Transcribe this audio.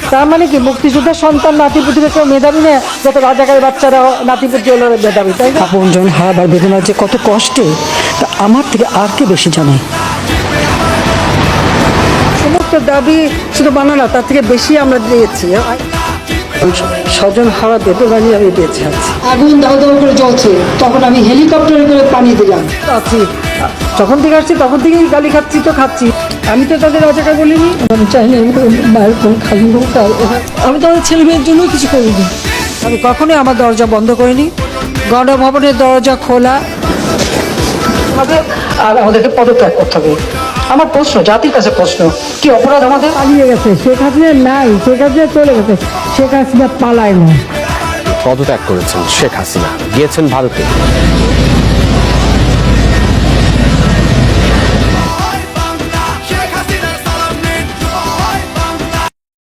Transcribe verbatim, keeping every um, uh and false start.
তার মানে কি মুক্তিযোদ্ধার সন্তান নাতিপুতিরা কেউ মেধাবী না, যত রাজাকারের বাচ্চারা নাতিপুতি হলো মেধাবী, তাই না? আপনজন হারাবার বেদনা যে কত কষ্টে তা আমার থেকে আর কে বেশি জানে। সমস্ত দাবি শুধু বানা না, তার থেকে বেশি আমরা দিয়েছি। স্বজন হারা বেদনা নিয়ে আমি বেঁচে আছি। আগুন দাও দাও করে জ্বলছে, তখন আমি হেলিকপ্টারে করে পানি দিলাম। আছি যখন থেকে আসছি তখন থেকেই গালি খাচ্ছি, তো খাচ্ছি। আমি তো তাদের রাজাকার বলিনি। আমি চাইনি মায়ের কোন খালি হোক, আমি তো আমার ছেলে মেয়ের জন্য কিছু করিনি। আমি কখনোই আমার দরজা বন্ধ করিনি, গণভবনের দরজা খোলা। আমাদের আর আমাদেরকে পদত্যাগ করতে হবে। আমার প্রশ্ন, জাতির কাছে প্রশ্ন, কি অপরাধ আমাদের? পালিয়ে গেছে শেখ হাসিনা, নাই শেখ হাসিনা চলে গেছে, শেখ হাসিনা পালায় না। পদত্যাগ করেছেন শেখ হাসিনা, গিয়েছেন ভারতে।